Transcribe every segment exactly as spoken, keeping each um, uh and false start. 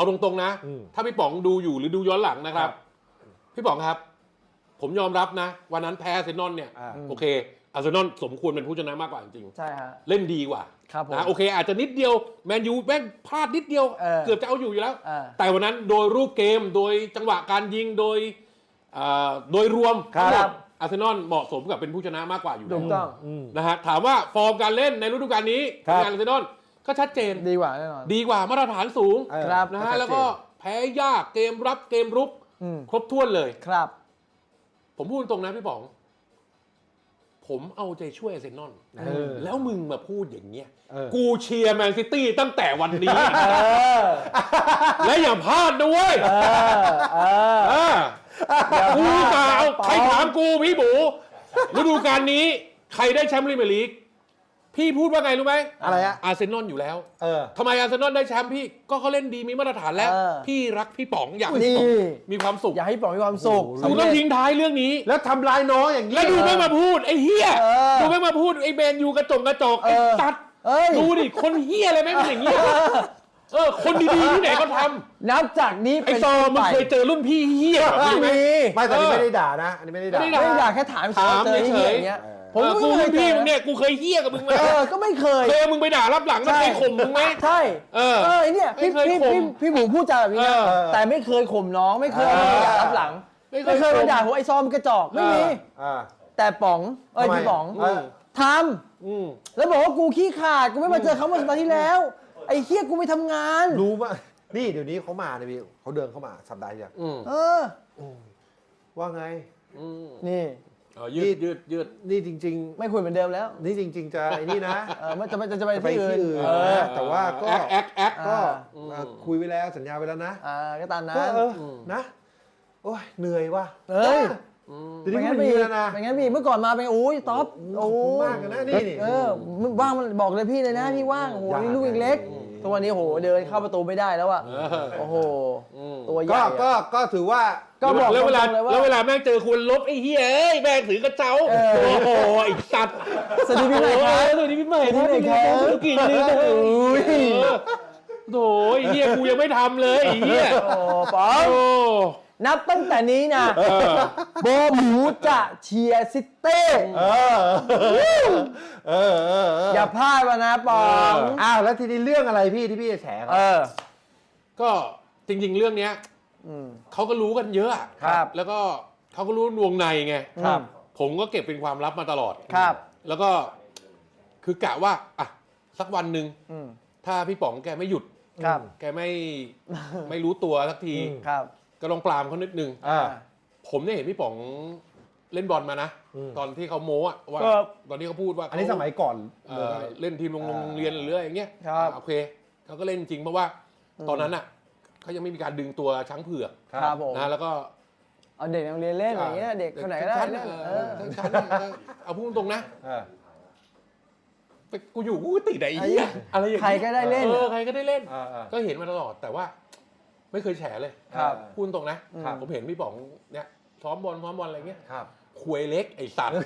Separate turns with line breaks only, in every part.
เอาตรงๆนะถ้าพี่ป๋องดูอยู่หรือดูย้อนหลังนะครับพี่ป๋องครับผมยอมรับนะวันนั้นแพ้อาร์เซนอลเนี่ยโอเคอาร์เซนอลสมควรเป็นผู้ชนะมากกว่าจริงๆ
ใช่ฮะ
เล่นดีกว่า
ครับผม
นะโอเคอาจจะนิดเดียวแมนยูแม่งพลาดนิดเดียวเเกือบจะเอาอยู่อยู่แล้ว แต่วันนั้นโดยรูปเกมโดยจังหวะการยิงโดยโดยรวม
ครับ
อาร์เซนอลเหมาะสมกับเป็นผู้ชนะมากกว่าอยู่แล้ว
ถูกต้อง
นะฮะถามว่าฟอร์มการเล่นในฤดูกาลนี้งานอาร์เซนอลก็ชัดเจน
ดีกว่าแน่นอน
ดีกว่ามาตรฐานสูง
ครับ
นะฮะแล้วก็แพ้ยากเกมรับเกมรุกครบถ้วนเลย
ครับ
ผมพูดตรงนะพี่ป๋องผมเอาใจช่วยอาร์เซนอลแล้วมึงมาพูดอย่างเงี้ยกูเชียร์แมนซิตี้ตั้งแต่วันนี้และอย่าพลาดด้วยกูกล่าวใครถามกูพี่บูฤดูกาลนี้ใครได้แชมป์พรีเมียร์ลีกพี่พูดว่าไงรู้ไหม
อะไรอะ
อาร์เซนอลอยู่แล้วทำไมอาร์เซนอลได้แชมป์พี่ก็เขาเล่นดีมีมาตรฐานแล้วพี่รักพี่ป๋องอยากให้พี่ป๋องมีความสุข
อยากให้พี่ป๋องมีความสุข
กูต้องทิ้งท้ายเรื่องนี้
แล้วทำลายน้องอย่างนี้
แล้วดูไม่มาพูดไอ้เฮียดูไม่มาพูดไอ้แมนยูกระจงกระจกไอ้ตัดดูดิคนเฮียอะไรไม่เป็นอย่างนี้เออคนดีๆที่ไหนเขาท
ำนับจากนี้
ไอ้ซอมึงเคยเจอรุ่นพี่เฮีย
ไม่มี
ไม่แต่ไม่ได้ด่านะอันนี้ไม่ได้ด่า
ไม่ได้ด่าแค่ถาม
ถามเฉย
อย่างเงี้ย
ผมกูรุ่นพี่มึงเนี่ยกูเคยเฮี้ยกับมึงไหม
เออก็ไม่เคย
เคยมึงไปด่ารับหลังแล้วเคยข่มมึงไหม
ใช่เอ
อ
เออเนี่ยพี่พี่พี่พี่หมูพูดจาแบบนี้นะแต่ไม่เคยข่มน้องไม่เคยด่ารับหลังไม่เคยมาด่าผมไอ้ซอมกระจอกไม่มีแต่ป๋องเอ้ยพี่ป๋องทำแล้วบอกว่ากูขี้ขาดกูไม่มาเจอเขาเมื่อสัปดาห์ที่แล้วไอ้เฮี้ยกูไม่ทำงาน
รู้ป่ะนี่เดี๋ยวนี้เขามาเลยพี่เขาเดินเข้ามาสัปดาห์อย่าง
เออ
ว่าไง
นี่
ยืดยืดยืด
นี่จริง
ๆไม่คุยเหมือนเดิมแล้ว
นี่จริงๆจะไอ้นี่นะ
มันจะจะจะไปที่อื่น
แต่ว่าก็
แอคแอคแอค
ก็คุยไว้แล้วสัญญาไว้แล้วนะ
อ่าก็ตามนั้น
นะโอ้ยเหนื่อยว่ะ
เฮ้ย
เป็นงั้นพี่นะ
เป็นงั้นพี่เมื่อก่อนมาเป็นโอ้ยท็อปโอ้
มากนะนี่
เออว่างมันบอกเลยพี่เลยนะพี่ว่างโอ้โหนี่ลูกเล็กตัวนี้โหเดินเข้าประตูไม่ได้แล้วอะโอ้โหตัวใหญ่
ก็ก็ถือว่า
ก็บอกแล้วเวลาแล้วเวลาแม่งเจอคุณลบไอ้เหี้ยเอ้ยแม่งถือกระเจ้าโอ้โหไอ้สัตว์
สวัสดีพี่ใหม่ครับ
สวัสดีพี่ใหม่ที่ไหนครับธุรกิจนี่โถ่ไอ้เหี้ยกูยังไม่ทำเลยไอ้เหี้ย
โอ้ป๋องนับตั้งแต่นี้นะโบหมูจะเชียร์ซิตี้อย่าพลาดมานะปอง
อ้าวแล้วทีนี้เรื่องอะไรพี่ที่พี่จะแฉ
เออ
ก็จริงๆเรื่องเนี้ยเขาก็รู้กันเยอะ
ครับ
แล้วก็เขาก็รู้วงในไง
ครับ
ผมก็เก็บเป็นความลับมาตลอด
ครับ
แล้วก็คือกะว่าอ่ะสักวันหนึ่งถ้าพี่ป๋องแกไม่หยุด
ครับ
แกไม่ไม่รู้ตัวสักที
ครับ
ก็ลองปรามเขานิดนึงผมเนี่ยเห็นพี่ป๋องเล่นบอลมานะตอนที่เขาโม้อะว่าตอนที่เขาพูดว่า
อันนี้สมัยก่อน
เล่นทีมโรงเรียนหรืออะไรอย่างเงี้ยโอเคเขาก็เล่นจริงเพราะว่าตอนนั้นอ่ะเขายังไม่มีการดึงตัวช้างเผือกนะแล้วก็
เอาเด็กโรงเรียนเล่นอย่างเงี้ยเด็กคนไหนก็ได้
ทั้งชั้นเอาพูดตรงๆนะกูอยู่กูติดไอ้เหี้ยอะไรอย่างเงี้ย
ใครก็ได้เล่น
เออใครก็ได้เล่นก็เห็นมาตลอดแต่ว่าไม่เคยแฉเลยพูดตรงนะผมเห็นพี่ป๋องเนี่ยซ้อมบอลซ้อมบอลอะไรเงี้ยควยเล็กไอ้สัตว์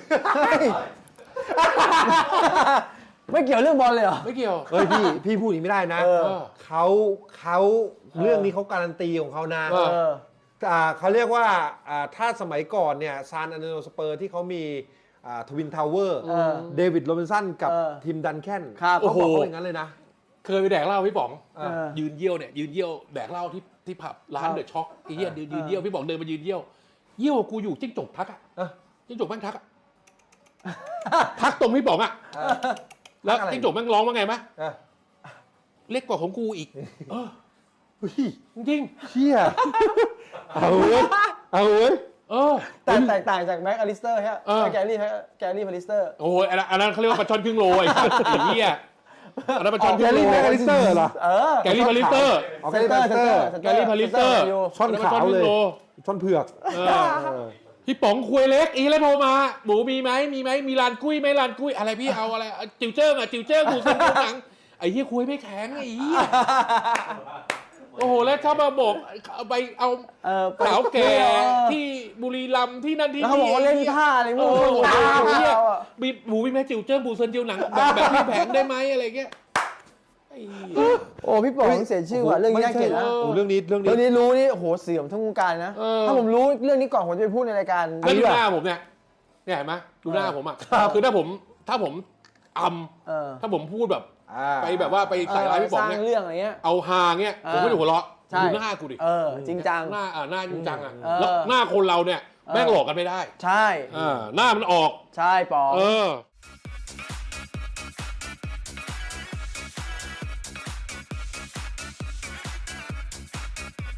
ไม่เกี่ยวเรื่องบอลเลยเหรอ
ไม่เกี่ยว
เฮ้ยพี่พี่พูดอย่างนี้ไม่ได้นะเขาเขาเรื่องนี้เขาการันตีของเขานะเขาเรียกว่าถ้าสมัยก่อนเนี่ยซานอันเดโนสเปอร์ที่เขามีทวินทาวเวอร์เดวิดโรบินสันกับทีมดันแคนเขาบอกเขาอย่างนั้นเลยนะ
เคยไปแดกเหล้าพี่ป๋องยืนเยี่ยวเนี่ยยืนเยี่ยวแดกเหล้าที่ที่ผับร้านเดอะช็อคไอ้เหี้ยยืนเยี่ยวพี่ป๋องเดินมายืนเยี่ยวเยี่ยวกูอยู่จิ้งจกทักอ่ะจิ้งจกแม่งทักอ่ะทักตรงพี่ป๋องอ่ะแล้วจิ้งจกแม่งร้องว่าไงมั้ยเล็กกว่าของกูอีกเออจริง
เชี่ยเอาเว้ยเอาเว้ย
เออ
แต่แตกต่างจากแม็กอลิสเตอร์ฮะแกรี่แกรี่พาริสเตอร์
โอ้ยอันนั้นเขาเรียกว่าปลาช่อนครึ่งโลไอ้สัตว์ไอ้เหี้ยอันนั้นปลาช่อนครึ่งโล
แกรี่แม็กอลิสเตอร์เหรอ
เออ
แกรี่พาริสเตอร์
แกรี่พาริสเตอร์
แกรี่พาริสเตอร์
ช่อนขาวเลยช่อนเผือก
พี่ป๋องคุยเล็กอีแล้วโทรมาหมูมีไหมมีไหมมีลานกุ้ยไหมลานกุ้ยอะไรพี่เอาอะไรจิ๋วเจิ้งอ่ะจิ๋วเจิ้งกูเส้นหนังไอ้เหี้ยคุยไม่แข็งไอ้เหี้ยโอ้โหแล้วเขามาบอกเอาไปเอาสาวแก่ที่บุรีรัมย์ที่นั่นที่นี่
เขาบอกว่าเล่นท่าอะไรมึง
มีหมูมีไหมจิ๋วเจิ้งบูเซินจิ๋วหนังแบบแบบพี่แผงได้ไหมอะไรเงี้ยไอ้
โอ้พี่ป๋องเสียชื่อว่ะเรื่องนี้น่าเกลียดนะ
โอ้เรื่องนี้เรื่อง
เรื่อง
นี้
นี้รู้นี่โอ้โหเสื่อมทั้งวงการนะถ้าผมรู้เรื่องนี้ก่อนผมจะไปพูดในรายการ
แล้วดูหน้าผมเนี่ยเนี่ยเห็นไหมดูหน้าผมอ่ะคือถ้าผมถ้าผมอำถ้าผมพูดแบบไปแบบว่าไปใส่ร้ายพี่ป๋องเนี่ย
สร้างเรื่องอะไรเงี้ย
เอาฮาเงี้ยผมไม่ได้หัวเราะดูหน้ากูดิ
เออจริงจัง
หน้าอ่าหน้าจริงจังอ่ะแล้วหน้าคนเราเนี่ยแม่งหลอกกันไม่ได้
ใช่
อ่าหน้ามันออก
ใช่ป๋อง
เออ